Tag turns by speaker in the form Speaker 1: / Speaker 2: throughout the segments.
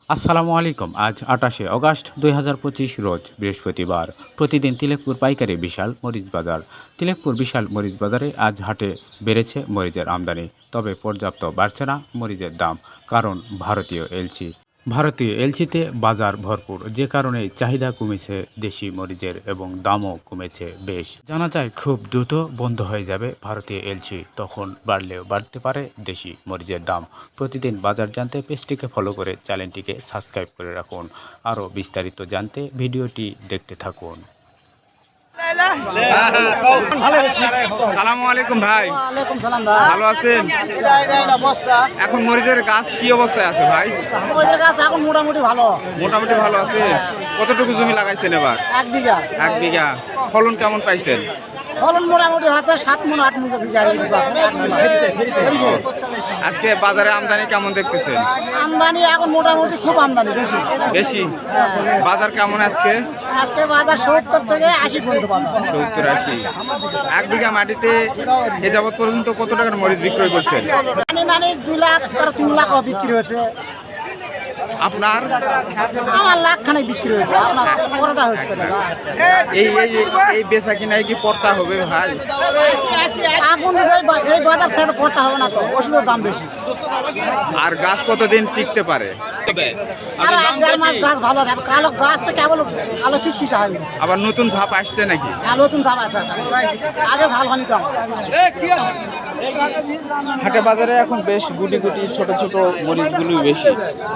Speaker 1: আসসালামু আলাইকুম। আজ ২৮শে অগাস্ট ২০২৫ রোজ বৃহস্পতিবার। প্রতিদিন তিলেকপুর পাইকারি বিশাল মরিচ বাজার। তিলেকপুর বিশাল মরিচ বাজারে আজ হাটে বেড়েছে মরিচের আমদানি, তবে পর্যাপ্ত বাড়ছে না মরিচের দাম, কারণ ভারতীয় এলচিতে বাজার ভরপুর, যে কারণে চাহিদা কমেছে দেশি মরিচের এবং দামও কমেছে বেশ। জানা যায় খুব দ্রুত বন্ধ হয়ে যাবে ভারতীয় এলচি, তখন বাড়লেও বাড়তে পারে দেশি মরিচের দাম। প্রতিদিন বাজার জানতে পেজটিকে ফলো করে চ্যানেলটিকে সাবস্ক্রাইব করে রাখুন। আরও বিস্তারিত জানতে ভিডিওটি দেখতে থাকুন।
Speaker 2: সালামু আলাইকুম ভাই।
Speaker 3: ওয়ালাইকুম সালাম ভাই।
Speaker 2: ভালো আছেন? এখন মরিচের গাছ কি অবস্থায় আছে ভাই?
Speaker 3: মরিচের গাছ এখন মোটামুটি ভালো।
Speaker 2: মোটামুটি ভালো আছে। কতটুকু জমি লাগাইছেন এবার?
Speaker 3: 1 বিঘা।
Speaker 2: 1 বিঘা। ফলন কেমন পাইছেন?
Speaker 3: ফলন মোটামুটি হচ্ছে 7 মণ 8 মণ বিঘা।
Speaker 2: আজকে বাজারে আমদানি কেমন দেখতেছেন?
Speaker 3: আমদানি এখন মোটামুটি খুব আমদানি বেশি।
Speaker 2: বেশি? বাজার কেমন আজকে?
Speaker 3: আজকে বাজার 70 থেকে 80 পর্যন্ত বাজার।
Speaker 2: 70-80। 1 বিঘা মাটিতে এ যাবৎ পর্যন্ত কত টাকার মরিচ বিক্রয় করছেন?
Speaker 3: মানে 2 লাখ আর 3 লাখ বিক্রি হয়েছে।
Speaker 2: আপনার?
Speaker 3: আমার লাখ খানে বিক্রি হয়েছে। আপনার পরোটা হচ্ছে না।
Speaker 2: এই বেচা কিনায় কি পড়তা হবে ভাই?
Speaker 3: আগুন এই বাজার থেকে পড়তে হবে না, তো ওষুধের দাম বেশি।
Speaker 2: আর গাছ কতদিন টিকতে পারে?
Speaker 3: আর 1.5 মাস গাছ ভালো থাকে। কালো গাছ তো কেবল কালো কিসকিসা হয়ে গেছে।
Speaker 2: আবার নতুন ঝাপ আসছে নাকি?
Speaker 3: নতুন ঝাপ আছে। আগে ঝাল হয়নি তো আমার।
Speaker 2: হাটে বাজারে এখন বেশ গুটি গুটি ছোট ছোট মরিচগুলো বেশি।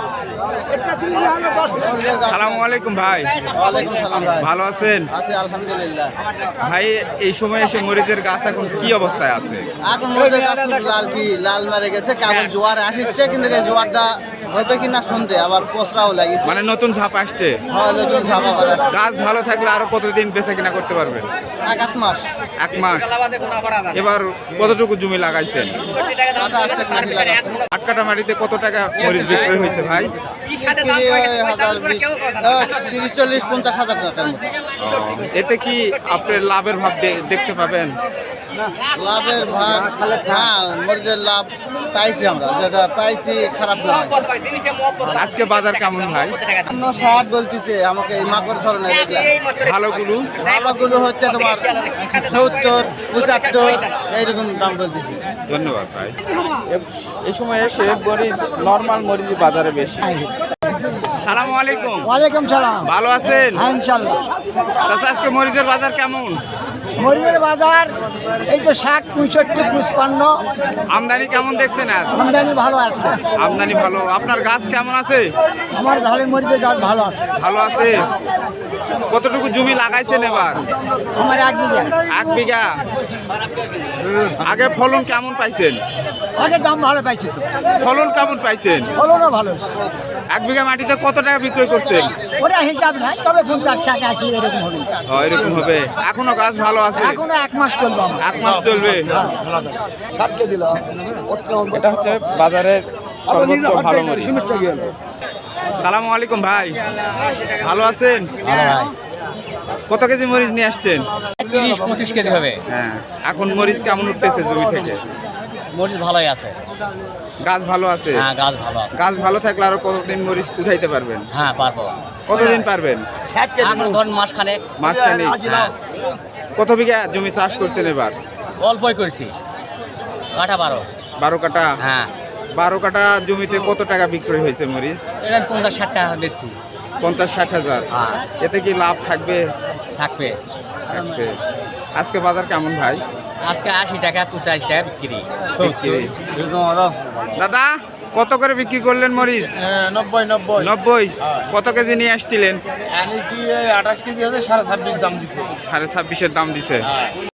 Speaker 2: সালামু আলাইকুম ভাই।
Speaker 4: ওয়ালাইকুম সালাম ভাই।
Speaker 2: ভালো আছেন?
Speaker 4: আছি আলহামদুলিল্লাহ।
Speaker 2: ভাই এই সময় এসে মরিচের গাছ এখন কি অবস্থায় আছে?
Speaker 4: এখন মরিচের গাছ খুব লাল মারে গেছে, কেমন জোয়ার আসছে, কিন্তু এই জোয়ারটা হবে কিনা শুনতে আবার পচরাও লাগিছে।
Speaker 2: মানে নতুন ঝাপ আসছে?
Speaker 4: হ্যাঁ, নতুন ঝাপ আবার আসছে।
Speaker 2: গাছ ভালো থাকলে আরো কতদিন বেচা কিনা করতে পারবেন?
Speaker 4: 1 মাস।
Speaker 2: 1 মাস। এবার কতটুকু জমি লাগাইছেন?
Speaker 4: 28 টাকা মাটি লাগাছে।
Speaker 2: 8 কাঠা মাটিতে কত টাকা মরিচ বিক্রি হয়েছে ভাই?
Speaker 4: 30, 40, 50 হাজার টাকার মতো।
Speaker 2: এতে কি আপনি লাভের ভাব দেখতে পাবেন?
Speaker 4: লাভের ভাগ, হ্যাঁ, মরিচের লাভ পাইছি আমরা, যেটা পাইছি খারাপ নয়।
Speaker 2: আজকে বাজার কেমন ভাই?
Speaker 4: 60 বলতেছে আমাকে, এই মাকড় ধরনের
Speaker 2: ভালোগুলো?
Speaker 4: ভালোগুলো হচ্ছে তোমার 70, 75 এইরকম দাম বলতেছে।
Speaker 2: ধন্যবাদ ভাই। এই সময় এসে মরিচ নরমাল মরিচ বাজারে বেশি। সালামু আলাইকুম।
Speaker 3: ওয়ালাইকুম সালাম।
Speaker 2: ভালো আছেন?
Speaker 3: হ্যাঁ, ইনশাআল্লাহ।
Speaker 2: চাচা আজকে মরিচের বাজার কেমন?
Speaker 3: মরিচের বাজার এই যে 60, 65, 55।
Speaker 2: আমদানি কেমন দেখছেন? আজ
Speaker 3: আমদানি ভালো আছে।
Speaker 2: আমদানি ভালো। আপনার গাছ কেমন আছে?
Speaker 3: আমার ঝালের মরিচের গাছ ভালো আছে।
Speaker 2: ভালো আছে। কতটুকু জমি লাগাইছেন এবার?
Speaker 3: আমার 1 বিঘা।
Speaker 2: 1 বিঘা। আগে ফলন কেমন পাইছেন?
Speaker 3: আগে দাম ভালো পাইছি তো।
Speaker 2: ফলন কেমন পাইছেন?
Speaker 3: ফলনও ভালো আছে।
Speaker 2: 1 বিঘা মাটিতে কত টাকা বিক্রয় করছেন?
Speaker 3: ওটা হিসাব নাই, তবে 50, 60, 80 এরকম হবে।
Speaker 2: এরকম হবে। এখনো গাছ ভালো আছে?
Speaker 3: এখনো 1 মাস চলবে আমার।
Speaker 2: 1 মাস চলবে। এটা হচ্ছে বাজারের সর্বোচ্চ ভালো মরিচ। সালামু আলাইকুম ভাই। ভালো আছেন? কত কেজি মরিচ নিয়ে আসছেন?
Speaker 5: 30-25 কেজি হবে।
Speaker 2: হ্যাঁ। এখন মরিচ কেমন উঠতেছে জমি থেকে?
Speaker 5: মরিচ ভালোই আছে।
Speaker 2: গাছ ভালো আছে?
Speaker 5: হ্যাঁ, গাছ ভালো আছে।
Speaker 2: গাছ ভালো থাকলে আরো কতদিন মরিচ উঠাইতে পারবেন?
Speaker 5: হ্যাঁ, পারবো।
Speaker 2: কতদিন পারবেন?
Speaker 5: এখন ধরুন মাসখানেক।
Speaker 2: মাঝখানে?
Speaker 5: হ্যাঁ।
Speaker 2: কত বিঘা জমি চাষ করছেন এবার?
Speaker 5: অল্পই করছি। কাঠা 12।
Speaker 2: 12 কাঠা?
Speaker 5: হ্যাঁ।
Speaker 2: 12 কাঠা জমিতে কত টাকা বিক্রয় হয়েছে মরিচ?
Speaker 5: এটা 50-60 টাকা বেচছি।
Speaker 2: 50-60 হাজার।
Speaker 5: হ্যাঁ।
Speaker 2: এতে কি লাভ থাকবে?
Speaker 5: থাকবে।
Speaker 2: থাকবে। আজকে বাজার কেমন ভাই?
Speaker 5: আজকে 80 টাকা, 85 টাকা বিক্রি।
Speaker 2: বিক্রি। দাদা কত করে বিক্রি করলেন মরিচ?
Speaker 4: 90।
Speaker 2: 90। কত কেজি নিয়ে আসছিলেন?
Speaker 4: 28 কেজি আছে, 26.5 দাম দিছে।
Speaker 2: 26.5-এর দাম দিছে।